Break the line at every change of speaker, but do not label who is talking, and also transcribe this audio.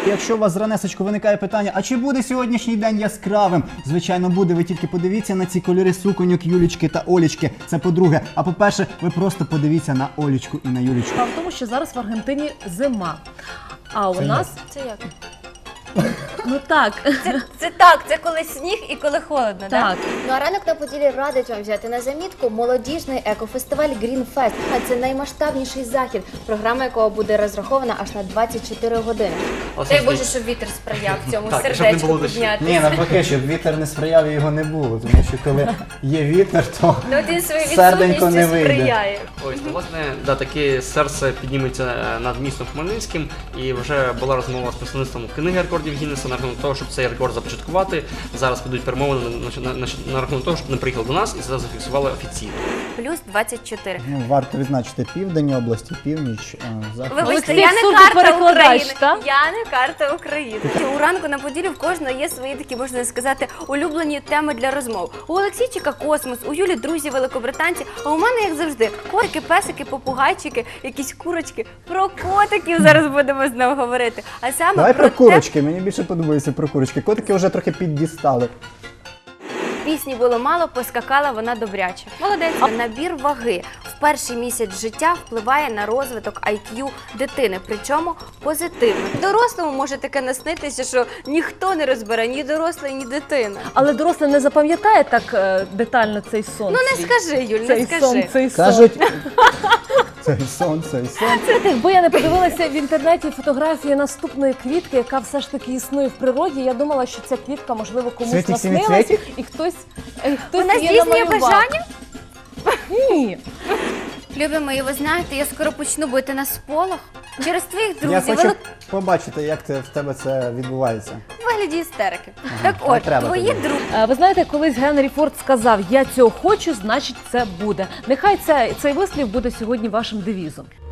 Якщо у вас зранесечку виникає питання, а чи буде сьогоднішній день яскравим? Звичайно буде, ви тільки подивіться на ці кольори суконьок Юлічки та Олічки. Це по-друге. А по-перше, ви просто подивіться на Олічку і на Юлічку.
Справа в тому, що зараз в Аргентині зима. А у нас...
Це як?
Ну так.
Це коли сніг і коли холодно, так?
Так.
Ну а ранок на Поділі радить вам взяти на замітку молодіжний екофестиваль Green Fest. А це наймасштабніший захід, програма якого буде розрахована аж на 24 години.
Дай Боже, щоб вітер сприяв цьому
Так, щоб не
сердечку
було дощу.
Ні,
піднятися.
навпаки, щоб вітер не сприяв і його не було. Тому що коли є вітер, то
Ну, він своєю
серденько не
відсутністю
вийде.
сприяє.
Ось, ну, власне, да, таке серце підніметься над містом Хмельницьким, і вже була розмова з представництвом книги рекордів Гіннеса на рахунок того, щоб цей рекорд започаткувати. Зараз ведуть перемовини на рахунок того, щоб не приїхали до нас і це зафіксували офіційно.
Плюс 24.
ну, варто відзначити південь області, північ, захід.
Вибачте,
Олексій,
я не
суто
карта
перекладач,
України.
так?
Я не карта України. У ранку на Поділі в кожного є свої такі, можна сказати, улюблені теми для розмов. У Олексійчика космос, у Юлі друзі великобританці, а у мене, як завжди, котики, песики, попугайчики, якісь курочки. Про котиків зараз будемо знову говорити. А саме
Давай про
те,
курочки, мені більше подобається про курочки. Котики вже трохи піддістали.
пісні було мало, поскакала вона добряче. Молодець. Набір ваги в перший місяць життя впливає на розвиток IQ дитини, причому позитивно. Дорослому може таке наснитися, що ніхто не розбере, ні дорослий, ні дитина.
Але дорослий не запам'ятає так детально цей сон.
Ну не
свій.
скажи, Юль, не
Цей
скажи.
сон, цей сон.
Кажуть, цей сон, цей сон.
Знаєте, якби я не подивилася в інтернеті фотографії наступної квітки, яка все ж таки існує в природі, я думала, що ця квітка, можливо, комусь
Цвітик,
наснилась,
сіміцвітик?
і хтось
Вона
її
здійснює
намалював.
бажання?
Ні.
Любі мої, ви знаєте, я скоро почну бити на сполох через твоїх
Я
друзів.
хочу побачити, як в тебе це відбувається.
В вигляді істерики. Так
не
от,
треба
твої
тобі.
друзі.
Ви знаєте, колись Генрі Форд сказав: "Я цього хочу, значить це буде". Нехай цей вислів буде сьогодні вашим девізом.